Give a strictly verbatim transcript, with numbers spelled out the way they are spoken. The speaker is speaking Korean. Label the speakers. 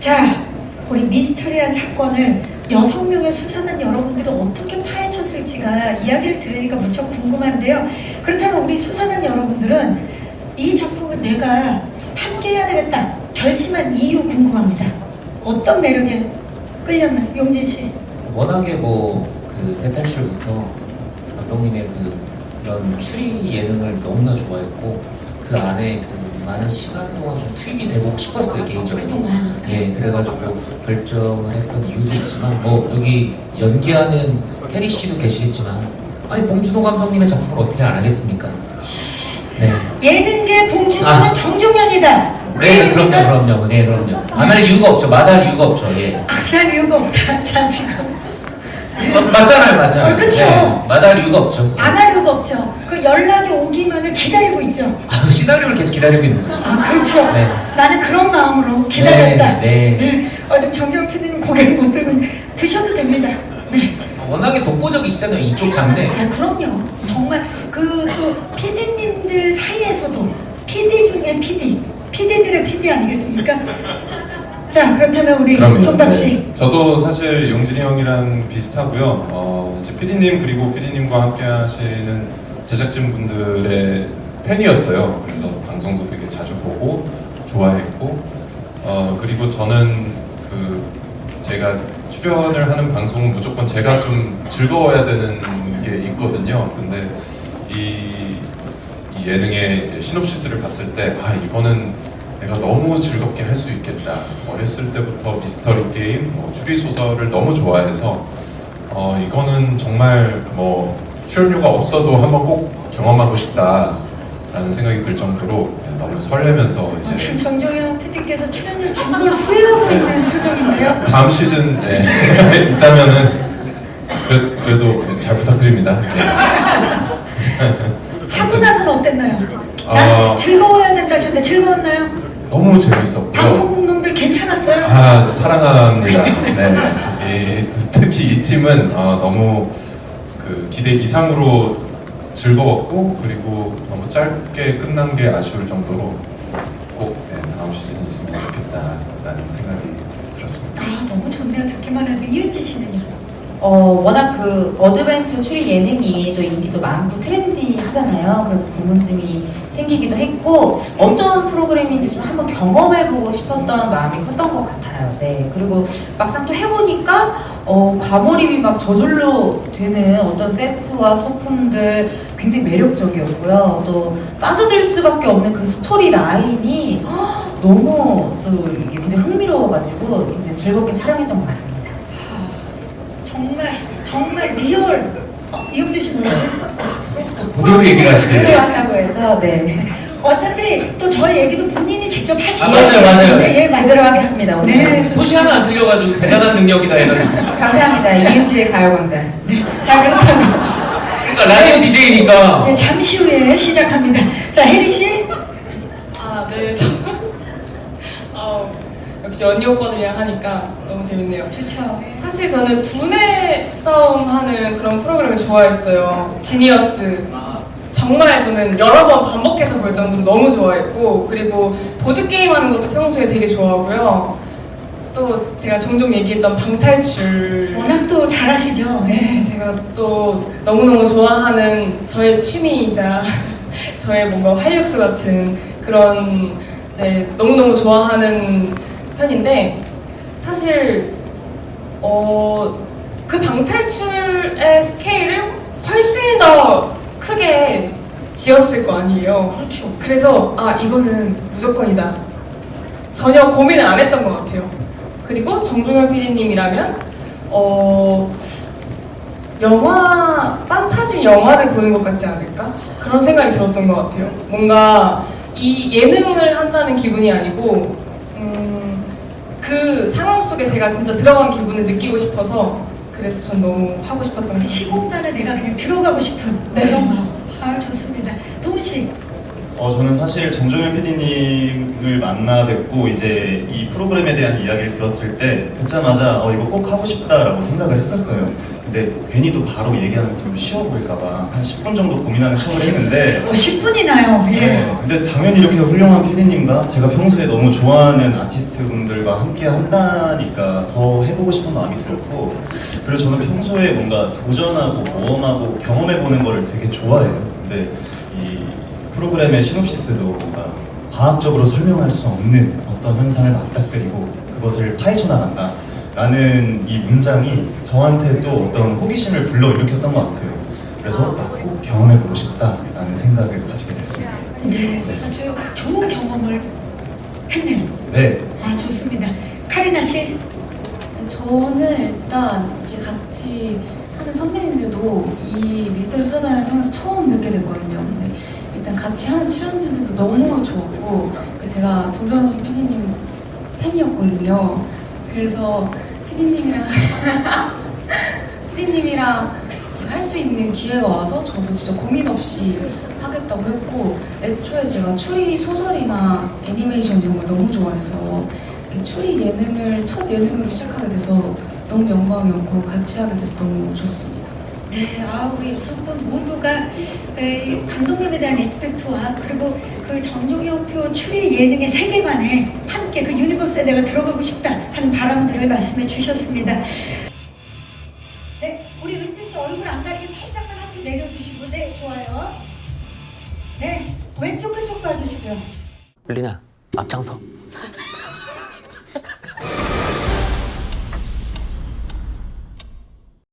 Speaker 1: 자, 우리 미스터리한 사건을 여섯 명의 수사단 여러분들이 어떻게 파헤쳤을지가 이야기를 들으니까 무척 궁금한데요. 그렇다면 우리 수사단 여러분들은 이 작품을 내가 함께 해야 되겠다 결심한 이유 궁금합니다. 어떤 매력에 끌렸나요? 용진 씨.
Speaker 2: 워낙에 뭐 그 대탈출부터 감독님의 그 이런 추리 예능을 너무나 좋아했고 그 안에 그 많은 시간 동안 좀 투입이 되고 싶었어요 개인적으로.
Speaker 1: 그동안.
Speaker 2: 예, 그래가지고 결정을 했던 이유도 있지만 뭐 여기 연기하는 혜리 씨도 계시겠지만 아니 봉준호 감독님의 작품을 어떻게 안 하겠습니까? 네.
Speaker 1: 예능계 봉준호는
Speaker 2: 아.
Speaker 1: 정종현이다.
Speaker 2: 네, 그럼요, 그럼요, 네, 그럼요. 안 할 이유가 없죠, 마다할 이유가 없죠, 예.
Speaker 1: 안 할 이유가 없다. 자, 지금.
Speaker 2: 마, 맞잖아요, 맞잖아요.
Speaker 1: 어, 그쵸.
Speaker 2: 네, 마다할 이유가 없죠.
Speaker 1: 안 할 이유가 없죠. 그 연락이 오기만을 기다리고 있죠.
Speaker 2: 아, 시나리오를 계속 기다리고 있는 거죠.
Speaker 1: 아, 그렇죠.
Speaker 2: 네.
Speaker 1: 나는 그런 마음으로 기다렸다.
Speaker 2: 네, 네.
Speaker 1: 어, 좀 정경 피디님 고개를 못 들고 있는데 드셔도 됩니다. 네.
Speaker 2: 워낙에 독보적이시잖아요, 이쪽 장르.
Speaker 1: 아, 그럼요. 정말 그 또 피디님들 사이에서도 피디 중에 피디, 피디들의 피디 아니겠습니까? 자, 그렇다면 우리 존박 씨.
Speaker 3: 네. 저도 사실 용진이 형이랑 비슷하고요. 어, 이제 피디님 그리고 피디님과 함께 하시는 제작진 분들의 팬이었어요. 그래서 방송도 되게 자주 보고 좋아했고, 어, 그리고 저는 그 제가 출연을 하는 방송은 무조건 제가 좀 즐거워야 되는 게 있거든요. 근데 이, 이 예능의 이제 시놉시스를 봤을 때, 아, 이거는 내가 너무 즐겁게 할 수 있겠다. 어렸을 때부터 미스터리 게임, 뭐 추리 소설을 너무 좋아해서 어, 이거는 정말 뭐 출연료가 없어도 한번 꼭 경험하고 싶다라는 생각이 들 정도로 너무 설레면서
Speaker 1: 어,
Speaker 3: 이제
Speaker 1: 지금 정종현 피디께서 출연료 준 걸 후회하고 있는 표정인데요.
Speaker 3: 다음 시즌 네, 있다면은 그래, 그래도 잘 부탁드립니다. 네.
Speaker 1: 하고 나서는 어땠나요?
Speaker 3: 아.
Speaker 1: 난 즐거워야 된다 하셨는데 즐거웠나요?
Speaker 3: 너무 재밌었고요.
Speaker 1: 방송국 놈들 괜찮았어요?
Speaker 3: 아, 사랑합니다. 네. 이, 특히 이 팀은 어, 너무 그 기대 이상으로 즐거웠고, 그리고 너무 짧게 끝난 게 아쉬울 정도로 꼭 네, 다음 시즌이 있으면 좋겠다라는 생각이 들었습니다.
Speaker 1: 아, 너무 좋네요. 듣기만 해도. 이은지 씨는요?
Speaker 4: 어, 워낙 그 어드벤처 추리 예능이 또 인기도 많고 트렌디하잖아요. 그래서 궁금증이 생기기도 했고 어떤 프로그램인지 좀 한번 경험해보고 싶었던 마음이 컸던 것 같아요. 네. 그리고 막상 또 해보니까 어, 과몰입이 막 저절로 되는 어떤 세트와 소품들 굉장히 매력적이었고요. 또 빠져들 수밖에 없는 그 스토리 라인이 헉, 너무 또 이게 굉장히 흥미로워가지고 굉장히 즐겁게 촬영했던 것 같습니다.
Speaker 1: 정말 정말 리얼. 어, 이은지 씨 뭐라고?
Speaker 2: 그대로 얘기를 하시네요.
Speaker 4: 그대로 한다고 해서 네.
Speaker 1: 어차피 또 저희 얘기도 본인이 직접 하시는
Speaker 2: 아, 맞아요, 맞아요.
Speaker 1: 네, 예,
Speaker 4: 그대로
Speaker 1: 맞아요.
Speaker 4: 하겠습니다. 오늘.
Speaker 1: 네,
Speaker 2: 토시
Speaker 1: 좋습니다.
Speaker 2: 하나 안 틀려가지고 대단한 능력이다 해가지고.
Speaker 4: 감사합니다. 이은지의 가요광장.
Speaker 1: 자, 그렇다면
Speaker 2: 그러니까 라디오 디제이니까.
Speaker 1: 네, 잠시 후에 시작합니다. 자, 혜리 씨.
Speaker 5: 아, 네. 저, 어, 역시 언니 오빠들이랑 하니까 너무 재밌네요.
Speaker 1: 좋죠.
Speaker 5: 사실 저는 두뇌 싸움 하는 그런 프로그램을 좋아했어요. 지니어스. 정말 저는 여러 번 반복해서 볼 정도로 너무 좋아했고, 그리고 보드게임 하는 것도 평소에 되게 좋아하고요. 또 제가 종종 얘기했던 방탈출.
Speaker 1: 워낙 또 잘하시죠. 네.
Speaker 5: 네, 제가 또 너무너무 좋아하는 저의 취미이자 저의 뭔가 활력소 같은 그런, 네, 너무너무 좋아하는 편인데, 사실 어, 그 방탈출의 스케일을 훨씬 더 크게 지었을 거 아니에요.
Speaker 1: 그렇죠.
Speaker 5: 그래서 아, 이거는 무조건이다. 전혀 고민을 안 했던 것 같아요. 그리고 정종현 피디님이라면 어, 영화, 판타지 영화를 보는 것 같지 않을까? 그런 생각이 들었던 것 같아요. 뭔가 이 예능을 한다는 기분이 아니고 음, 그 상황 속에 제가 진짜 들어간 기분을 느끼고 싶어서, 그래서 전 너무 하고 싶었던 것 같아요.
Speaker 1: 시공간에 내가 그냥 들어가고 싶은
Speaker 5: 네.
Speaker 1: 그런 마음. 아, 좋습니다. 동훈 씨.
Speaker 6: 어, 저는 사실 정종현 피디님을 만나 뵙고 이제 이 프로그램에 대한 이야기를 들었을 때 듣자마자 어, 이거 꼭 하고 싶다라고 생각을 했었어요. 근데 괜히 또 바로 얘기하는 게 좀 쉬워 보일까봐 한 십 분 정도 고민하는 척을 했는데
Speaker 1: 어, 십 분이나요. 예.
Speaker 6: 네, 근데 당연히 이렇게 훌륭한 피디님과 제가 평소에 너무 좋아하는 아티스트 분들과 함께 한다니까 더 해보고 싶은 마음이 들었고, 그리고 저는 평소에 뭔가 도전하고 모험하고 경험해보는 거를 되게 좋아해요. 근데 이 프로그램의 시놉시스도 뭔가 과학적으로 설명할 수 없는 어떤 현상을 맞닥뜨리고 그것을 파헤쳐 나간다 라는 이 문장이 저한테 또 어떤 호기심을 불러일으켰던 것 같아요. 그래서 아, 꼭 경험해보고 싶다라는 생각을 가지게 됐습니다.
Speaker 1: 네, 아주 좋은 경험을 했네요.
Speaker 6: 네.
Speaker 1: 아, 좋습니다. 카리나 씨.
Speaker 7: 저는 일단 이렇게 같이 하는 선배님들도 이 미스터리 수사단을 통해서 처음 뵙게 됐거든요. 근데 일단 같이 하는 출연진들도 너무 좋았고, 제가 정정현 피디님 팬이었거든요. 그래서 피디님이랑 피디님이랑 할 수 있는 기회가 와서 저도 진짜 고민 없이 하겠다고 했고, 애초에 제가 추리 소설이나 애니메이션 이런 걸 너무 좋아해서 추리 예능을 첫 예능으로 시작하게 돼서 너무 영광이었고 같이 하게 돼서 너무 좋습니다.
Speaker 1: 네, 아, 우리 여성분 모두가 에, 감독님에 대한 리스펙트와 그리고 그 정종영표 추리 예능의 세계관에 함께 그 유니버스에 내가 들어가고 싶다 하는 바람들을 말씀해 주셨습니다. 네, 우리 은지 씨 얼굴 안 가리게 살짝만 하트 내려주시고, 네, 좋아요. 네, 왼쪽 끝쪽 봐주시고요.
Speaker 8: 리나 앞장서.